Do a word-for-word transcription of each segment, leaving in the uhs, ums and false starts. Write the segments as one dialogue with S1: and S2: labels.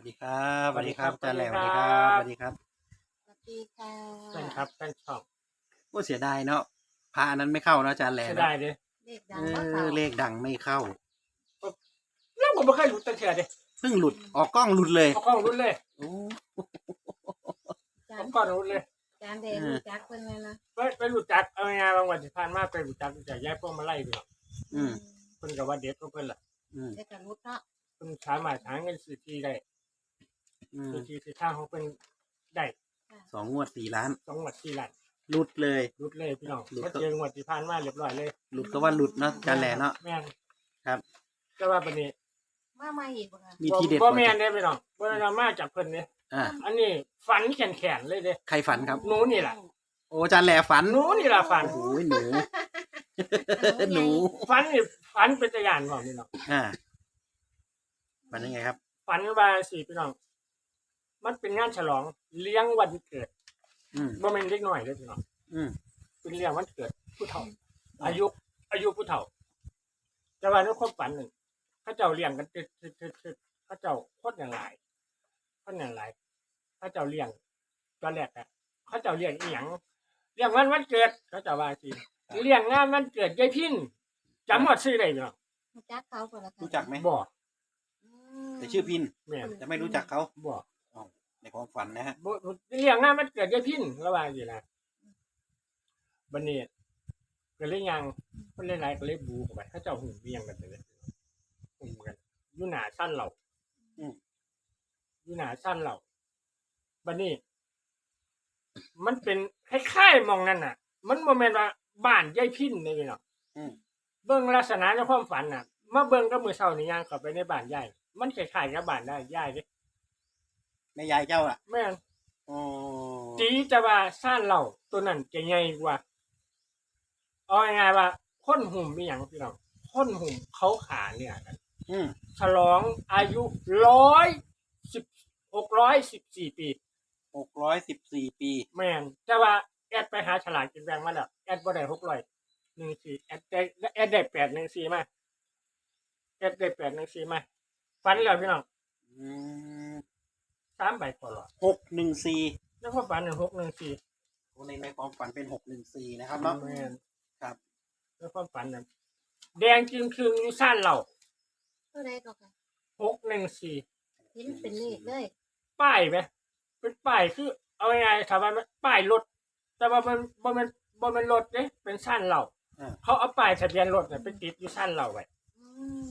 S1: ดีครับสวัสดีครับอาจารย์แหลมสวัสดีครับสวัสดีครับ
S2: สวัสดีค่ะ
S3: แฟนครับแฟนช่อง
S1: โอ้เสียดายเนาะพระอันนั้นไม่เข้าเนาะอาจารย์แหลม
S3: เสีย
S1: เนาะ
S3: ดายเด้
S2: เลข
S1: เอ
S2: ดังว่าเขา
S1: อเลขดังไม่เข้า
S3: แล้วผมไม่เคยรู้ตั้งเถื่อเด้
S1: เพิ่งหลุดออกกล้องหลุดเลย
S3: เอากล้องรุ่นเลย
S1: โอ้
S2: จา
S3: เอา
S2: น
S3: กล้องรุ่นเลย
S2: จานเดรู้จักเพิ่นเลยนะ
S3: ไปไปรู้จักเอาไงานบางวันที่ผ่านมาไปรู้จักรู้จักย้ายพวกมาไล่ไปหรอก
S1: อืม
S3: เพิ่นกับว่าเด็ดของเพิ่นล่ะ
S1: อืม
S2: ได้กันรุดเนาะ
S3: เพิ่นสามารถหาเงินซื้อที่ได้
S1: อืม
S3: ซื้อที่ซื้อทางของเพิ่นได้
S1: สองงวดสี่ล้าน
S3: สองงวดสี่ล้าน
S1: หลุดเลย
S3: รุดเลยพี่น้อง
S1: หลุด
S3: ก็เจองวดที่ผ่านมาเรียบร้อยเลย
S1: หลุดก็ว่าหลุดเนาะอาจารย์แหลมเนาะ
S3: แม่น
S1: ครับ
S3: แต่ว่าบัดนี้
S2: มาใหม่อีกบ่ค่ะ
S1: มีทีเด็ด
S3: บ่
S1: กว่า
S3: แม่นเด้พี่น้องบ่ได้มาจากเพิ่นเด้
S1: อ่า
S3: อันนี้ฝันแขนๆเลยเด้
S1: ใครฝันครับ
S3: หนูนี่ล่ะ
S1: โอ้อาจารย์แหลมฝัน
S3: หนูนี่ล่ะฝัน
S1: โอ้โหหนูหนู
S3: ฝันนี่ฝันเป็นตะยานบ่พี่น้อง
S1: อ่าฝันยังไงครับ
S3: ฝันว่าสิพี่น้อง มันเป็นงานฉลองเลี้ยงวันเกิด
S1: อืม
S3: บ่แม่นเด็กน้อยเด้อพี่น้อง
S1: อืม
S3: เป็นเลี้ยงวันเกิดผู้เฒ่า อายุ อายุผู้เฒ่า แต่ว่าในความฝันนึงเขาเจ้าเลี้ยงกันตึดๆๆๆเขาเจ้าโคตรอย่างหลายคนอย่างหลายเขาเจ้าเลี้ยงตอนแรกอะเขาเจ้าเลี้ยงอีหยังเลี้ยงวันวันเกิด เขาเจ้าว่าสิเลี้ยงงานวันเกิดยายพินจำหมดชื่อได้พี่น้อง
S2: รู้จักเขาบ่ล่ะค่ะ
S1: รู้จักไหม
S3: บ่
S2: อืม
S1: แต่ชื่อพิน
S3: แม่น
S1: แต่ไม่รู้จักเขา
S3: บ่
S1: ในความฝันนะฮะ
S3: บ่เลี้ยงงานวันเกิดยายพินระว่าสินะบัดนี้ก็เลยยังเพิ่นหลายๆก็เลยบูเข้าไปเขาเจ้าหุ่นเวียงกันไปเลยหุ่นกันอยู่หน้าชั้นเรา
S1: อืม
S3: อยู่หน้าชั้นเราบัดนี้ มันเป็นคล้ายๆหมองนั่นน่ะ มันบ่แม่นว่าบ้านยายพินนี่พี่น้อง
S1: อืม
S3: เบิ่งลักษณะในความฝันน่ะ มาเบิ่งกับมื้อเช้านี่ย่างเข้าไปในบ้านยายมันคล้ายๆกับบ้านได้ยายเด้
S1: แม่ยายเจ้าอ่ะ
S3: แม่น
S1: อ๋อ
S3: ตีจะว่าซ่านเราตัวนั้นจะใหญ่กว่าเอาง่ายๆว่าคนหุ่มมีหยังพี่น้องคนหุ่มเขาขาเนี่ยกัน
S1: อืม
S3: ฉลองอายุร้อยสิบหกร้อยสิบสี่ปี
S1: หกร้อยสิบสี่ปี
S3: แม่นแต่ว่าแอดไปหาฉลากกินแบ่งมาแล้วแอดบ่ได้หกร้อยหนึ่งสี่แอดได้แอดได้แปดหนึ่งสี่มาแอดได้แปดหนึ่งสี่มาฟันแล้วพี่น้อง
S1: อืม
S3: สามใบพอหรอ
S1: หกหนึ่งสี่
S3: แล้วก็ฝันหนึ่งหกหนึ่งสี่
S1: ในในความฝันเป็นหกหนึ่งสี่นะครับเนาะ
S3: แม่น
S1: ครับ
S3: แล้วความฝันนั้นแดงจึงคืงอยู่ซ่านเรา
S2: ตัวใดก็ค่ะ
S3: หกหนึ่งสี่
S2: เห็นเป็นเลขเลย
S3: ป้ายไหมเป็นป้ายคือเอาง่ายๆถามว่ามันป้ายรถแต่ว่ามันบ่แมันบ่แมันรถเด้เป็นสั้นเรา
S1: อ่า
S3: เขาเอาป้ายทะเบียนรถเนี่ยไปติดอยู่สั้นเราไว้
S2: อืม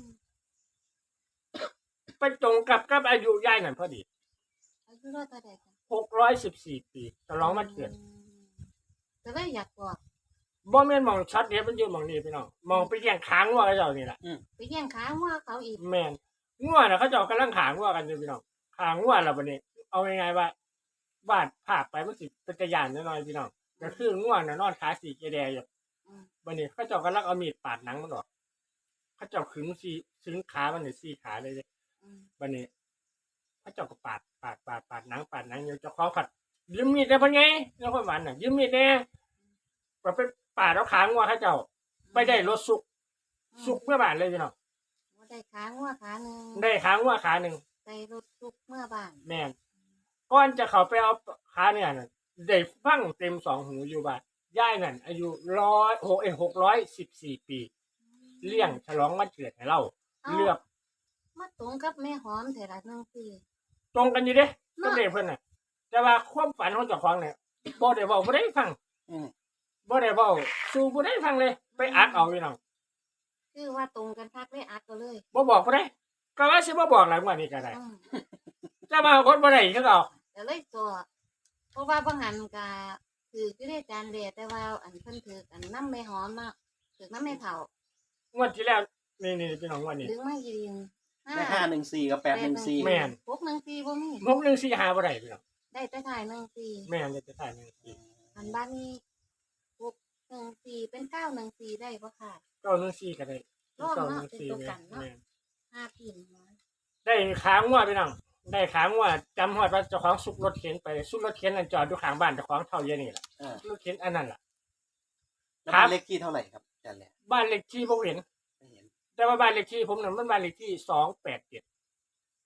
S3: ไปตรงกับกับอายุยายนั่นพอดี
S2: อายุรอดตัวใดค่ะ
S3: หกร้อยสิบสี่ปีฉลองวันเกิด
S2: อืมแต่ว่าอยากบอก
S3: บ่แม่นมองช็อตเดียวมันอยู่มองนี้พี่น้องมองไปแย่งค้างว่าเขาเจ้านี่แหละ
S2: ไปแย่งขาว่าเขาอีก
S3: แม่นงัวน่ะเขาเจ้ากำลังขางว่ากันอยู่พี่น้องขางว่าแล้วบัดนี้ เอาง่ายๆว่าบ้านภาพไปมันสิเป็นตะยานน้อยๆพี่น้องก็คืองัวน่ะนอนขาสีเกแดอยู่
S2: อืม
S3: บันนี้เขาเจ้ากำลังเอามีดปาดหนังมันออกเขาเจ้าขึงสีขึงขามันเนี่ยสี่ขาเลยเลย
S2: อืม
S3: บันนี้เขาเจ้าก็ปาดปาดปาดปาดหนังปาดหนังอยู่เจ้าของผัดยืมมีดได้ปะไงแล้วคนหวานน่ะยืมมีดแน่ก็ไปปาดเอาขางว่าเขาเจ้าไปได้รถสุกสุกเมื่อบานเลยพี่น้อง
S2: ว่าได้ขาว่าขาหนึ่ง
S3: ได้ขางว่าขาหนึ่ง
S2: ได้รถทุกเมื่อบ้าน
S3: แม่นก่อนจะเขาไปเอาขาเนี่ยน่ะได้ฟังเต็มสองหูอยู่บ้านย่ายนั่นอายุร้อยหกเอหกร้อยสิบสี่ปี เลี้ยงฉลองวันเกิดให้เราเลือก
S2: มาตรงกับแม่หอมเถอะละหนึ่งปี
S3: ตรงกันอยู่เด้ก็เด็กเพิ่นน่ะแต่ว่าความฝันของเจ้าของเนี่ยบ่ได้เว้าบ่ได้ฟัง
S1: อืม
S3: บ่ได้เว้าสู่บ่ได้ฟังเลย ไปอักเอาพี่น้อง
S2: คือว่าตรงกันพักได้อัดก็เลย
S3: บ่บอกบ่ได้ก็ว่าสิบ่บอกหลังว่านี้ก็ได้
S2: อืม
S3: แต่ว่าคนบ่ได้คือเก่า
S2: แต่เลยตัวเพราะว่าบางหันกะถือคือได้จานเดียแต่ว่าอันเพิ่นถืออันน้ำไม่หอมเนาะถือน้ำไม่เผาง
S3: วดที่แล้วนี่ๆพี่น้องงวดนี้
S2: ดึงมายืน
S1: ได้ห้าหนึ่งสี่กับแปดหนึ่งสี่
S3: แม่น
S2: พกหนึ่งสี่บ่มี
S3: หกหนึ่งสี่หาบ่ได้พี่น้อง
S2: ได้แต่ถ่ายหนึ่งสี่
S3: แม่นจะถ่ายหนึ่งสี่
S2: อันบ้านนี้พกหนึ่งสี่เป็นเก้าหนึ่งสี่ได้ปะค่ะ
S3: เก้าหนึ่งสี่ก็ได้
S2: รอบ
S3: เก้าห
S2: เนาะ
S3: นึ่ง
S2: เป็น
S3: สี่
S2: ตัว
S3: แม่
S2: กัน
S3: น
S2: เนาะ
S3: แม่น
S2: ห้าพินมา
S3: ได้ขางว่าพี่น้องได้ขางว่าจำฮอดว่าเจ้าของสุกรถเข็นไปสุกรถเข็นนั่นจอดอยู่ข้างบ้านเจ้าของเท่าเยอะนี่แหละ
S1: อ่าร
S3: ถเข็นอันนั้นล่ะ
S1: แล้ว
S3: ครับ
S1: เป็นเลขที่เท่าไหร่ครับอาจารย์แหลม
S3: บ้านเลขที่ผมเห็น
S1: ไม่เห็น
S3: แต่ว่าบ้านเลขที่ผมน่ะมันบ้านเลขที่สองแปดเจ็ด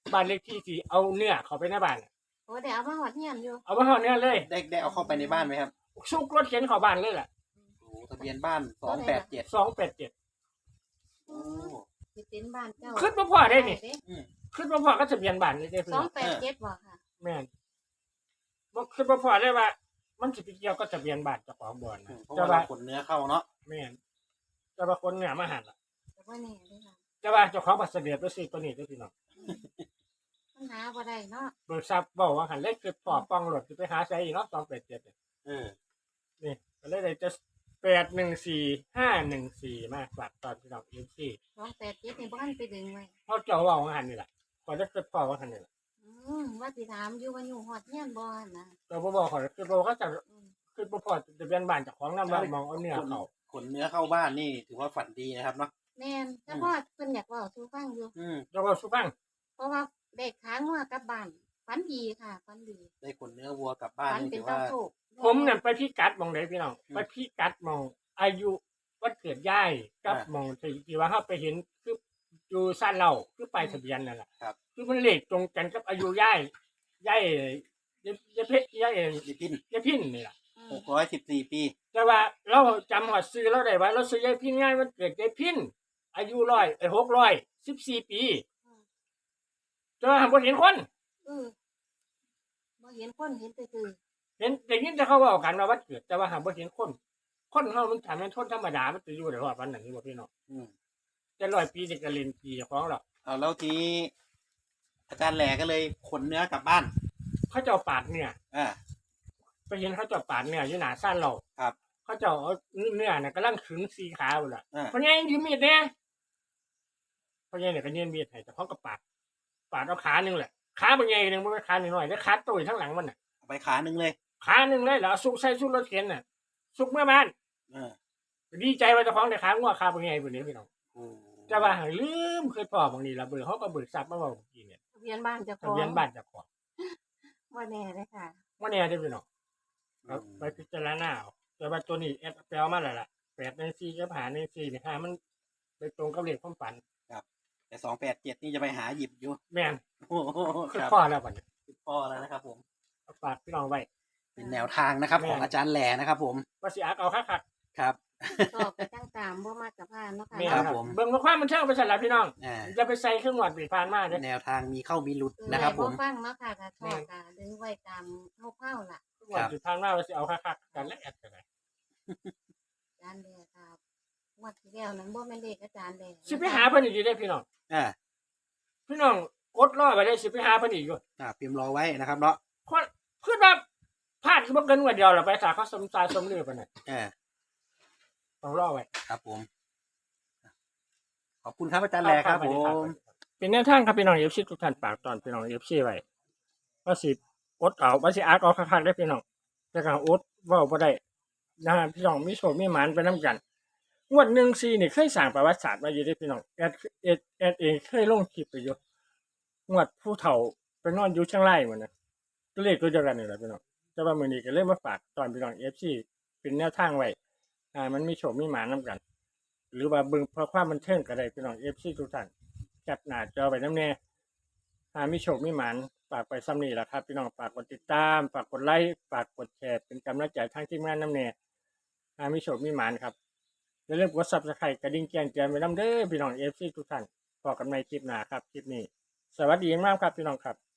S3: บ้านเลขที่ที่เอาเนื้อเข้าไปในบ้านน่ะ
S2: โอ้ได้เอามาหอดเฮียนอยู่
S3: เอามาห่อเนื้อเลย
S1: ได้ได้เอาเข้าไปในบ้านไหมครับ
S3: ซุกรถเข็นเข้าบ้านเลยล่ะ
S1: โอ้ทะเบียนบ้านสองแปดเจ็ด
S3: สองแปดเจ็ด
S1: โอ้
S2: สิเป็นบ้านเจ้า
S3: ขึ้นมาพอได้นี่
S1: อืม
S3: ขึ้นมาพอก็ทะเบียนบ้านนี่ได้พี่
S2: สอ
S3: น้
S2: ง
S3: อง
S2: แปดเจ็ดบ่ค่ะ
S3: แม่นบ่ขึ้นมาพอได้ว่า มันสิไปเกี่ยวกับทะเบียนบ้านเจ้าของบ่อน
S1: อื
S3: นะ
S1: มเพราะ
S3: แต่
S1: ว่า
S3: ว่า
S1: เราขนเนื้อเข้าเนาะ
S3: แม่นแต่ว่าคนเนี่ยมาหันล่ะ
S2: แต่ว่าแน่เด้อค่ะ
S3: แต่ว่าเจ้าของบัตรเสด็จไปซื้อตัวนี้เด้อพี่น้อง
S2: ปัญหาบ่ได้เนาะ
S3: เบิกทรัพย์บอกว่าหันเลขคือปอบป้องรถสิไปหาใช้อีกเนาะสองแปดเจ็ด
S1: เออ
S3: นี่ก็เลยได้จะแปดหนึ่งสี่ห้าหนึ่งสี่มาฝากตอนพี่น้องเอฟซี
S2: สองแปดเจ็ดนี่บ้านไปดึงไว้
S3: เพราะเจ้าว่าว่าหันนี่แหละก่อนจะเกิดพ่อว่าหันนี่แหละ
S2: อืมว่าสิถามอยู่ว่าอยู่หอดเฮียนบ่นะ
S3: เราบ่บอกเขาคือบอกก็จะ
S2: อืม
S3: คือบ่พอจะเป็นบ้านเจากของน้ำว่ามองเอาเนี่ย
S1: ขน
S3: เขา
S1: ขนเนื้อเข้าบ้านนี่ถือว่าฝันดีนะครับเนาะ
S2: แม่นแต่พ่อเพิ่นอยากเว้าสู่ฟังอยู่
S1: อืม
S3: เจ้าว่าสุฟัง
S2: เพราะว่าเด็กค้างงัวกลับบ้านฝันดีค่ะฝันดี
S1: ได้ขนเนื้อวัวกลับบ้าน
S2: ฝัน
S1: นี่
S2: เป็น
S1: ถือ
S2: เจ้า
S1: ว่า
S2: โชค
S3: ผมเนี่ยไปพี่กัดมองไหนพี่น้อง
S1: อืม
S3: ไปพี่กัดมองอายุวันเกิดย่ายกับ
S1: อ่าม
S3: มองที่ที่ว่าเขาไปเห็นคืออยู่สั้นเราคือไปลายทะเบียนนั่นแหละ
S1: ครับ
S3: คือมันเลขตรงกันกับอายุย่ายย่ายยายยายเพชรย่าย
S1: ดิพิน
S3: ยายพินนี่แหละ
S2: อื
S1: ห
S2: ม
S1: กร้อยสิบสี่ปี
S3: แต่ว่าเราจำหอดซื้อเราได้ว่าเราซื้อยายพินง่ายมันเกิดยายพินอายุร้อยไอ้หกร้อยสิบสี่ปีแต่ว่าผมเห็นคน
S2: เออบ่เห็นคนเห็นแต่คือ
S3: เห็นแต่ยินจะเขาบอกกันว่าวันเกิดแต่ว่าหาบ่เห็นคน คนเขามันถามเป็นคนธรรมดามันจะอยู่ได้รอดวันนั้นนี่บ่พี่น้อง
S1: อืม
S3: จะร้อยปีจะกระเล่นปีของเรา
S1: เอาแล้วทีนี้อาจารย์แหล่ก็เลยขนเนื้อกลับบ้าน
S3: เขาเจ้าปาดเนี่ย
S1: อ่า
S3: ไปเห็นเขาเจ้าปาดเนี่ยอยู่หน้าซ่านเรา
S1: ครับ
S3: เขาเจ้าเอาเนื้อน่ะกำลังขึงสีขาวอยู่ล่ะ
S1: อ่า
S3: เพราะงั้นยืมมีดเนี่ยเพราะงั้นเนี่ยก็ยืมมีดให้แต่เขาก็ปาดปาดเอาขาหนึ่งแหละขาเป็นไงหนึ่งมันเป็นขาหนึ่งหน่อยแล้วขาตุยทั้งหลังมันน่ะ
S1: เอาไปขาหนึ่งเลย
S3: ขาหนึ่งเลยแล้วเอาซุกใส่ซุกรถเข็นน่ะซุกเมื่อบ้าน
S1: เออ
S3: ดีใจว่าเจ้าของได้ขางัวขาเป็นไงพวกนี้พี่น้อง
S1: โอ้
S3: แต่ว่าหาลืมเคยพอบางทีละเบื่อเขาก็เบิกทรัพย์มาบอกเมื่อกี้เนี่ย
S2: ทะเบียนบ้านเจ้าข
S3: ทะ
S2: อง
S3: เบียนบ้านเจะของ
S2: ว่าแน่เลยค่ะ
S3: ว่าเนี่ยได้พี่น้องครับไปพิจารณาเอาแต่ว่าตัวนี้แอดแปลมาแล้วล่ะแปดในสี่กับหาในสี่เนี่ยหามันไปตรงกับเลขความฝัน
S1: แต่สองแปดเจ็ดนี่จะไปหาหยิบอยู่
S3: แม่น
S1: โอ้โห
S3: คือ
S1: ครับ
S3: ข้อแล้วบัดนี้
S1: พ่อแล้วนะครับผม
S3: เอาฝากพี่น้องไว้
S1: เป็นแนวทางนะครับ
S3: แม่
S1: ของอาจารย์แหล่นะครับผม
S3: ว่าสิอักเอาคัก
S1: ครับ
S2: ก็ไปตั้งตามบ่มากกับพานเนาะค่ะ
S3: ๆแม่น
S1: ค
S3: ค
S1: รั
S3: รั
S1: บบ ผม
S3: เบิ่งว่าความมันเชื่อไปสั่นละพี่น้อง
S1: อ่า
S3: จะไปใส่เครื่องหวดปีพานมาเด้อ
S1: แนวทางมีเข้ามีหลุด
S2: เออ
S1: นะครับผม
S2: ฟังเนาะค่ะถ้าชอบก็ดึงไว้ตามเฮาๆล่ะ
S3: เครื่องหวดปีพานมาว่าสิเอาคักๆกันและแอดกันเลย
S2: อาจารย์แดครับงวดที่แล้วนั้นบ่แม่นเลขอาจารย์แด
S3: สิไปหาเพิ่นอีกอยู่ได้อพี่น้อง
S1: อ่า
S3: พี่น้องกดรอไปได้สิไปหาเพิ่นอีกอยู่
S1: อ่าพิมพ์รอไว้นะครับเนาะ
S3: คนคือแบบพลาดคือบ่เกินกว่าเดียวหรอกไปสาเขาสมตายสมลือไปน่ะ
S1: อ่า
S3: ต้องรอไว้
S1: ครับผม ขอบคุณครับอาจารย์แหล่ครับผม
S3: เป็นแนวทางครับพี่น้อง เอฟ ซี ทุกท่านฝากตอนพี่น้อง เอฟ ซี ไว้ว่าสิอดเอาว่าสิอักเอาคักๆได้อพี่น้องแต่ก็อดเว้าบ่ได้นะฮะพี่น้องมีโชคมีหมานไปนํกันงวดหนึ่งสี่นี่เคยสร้างประวัติศาสตร์ไว้อยู่เด้อพี่น้องแอดแอดแอดเองเคยลงคลิปไปอยู่งวดผู้เฒ่าไปนอนอยู่เชียงรายหมดนะก็เลขตัวเดียวกันนี่แหละพี่น้องแต่ว่ามื้อนี้ก็เลยมาฝากตอนพี่น้อง เอฟ ซี เป็นแนวทางไว้อ่ามันมีโชคมีหมานนํกัน หรือว่าเบิ่งเพื่อความบันเทิงก็ได้พี่น้อง เอฟ ซี ทุกท่านแคปหน้าจอไว้นำแน่หามีโชคมีหมานฝากไปซ้ำนี้ล่ะครับพี่น้องฝากกดติดตามฝากกดไลค์ฝากกดแชร์เป็นกำลังใจทางทีมงานนำแน่หามีโชคมีหมานครับอย่าลืมกด Subscribe กระดิ่งแจ้งเตือนไว้นำเด้อพี่น้อง เอฟ ซี ทุกท่านพบกันในคลิปหน้าครับคลิปนี้สวัสดีมากครับพี่น้องครับ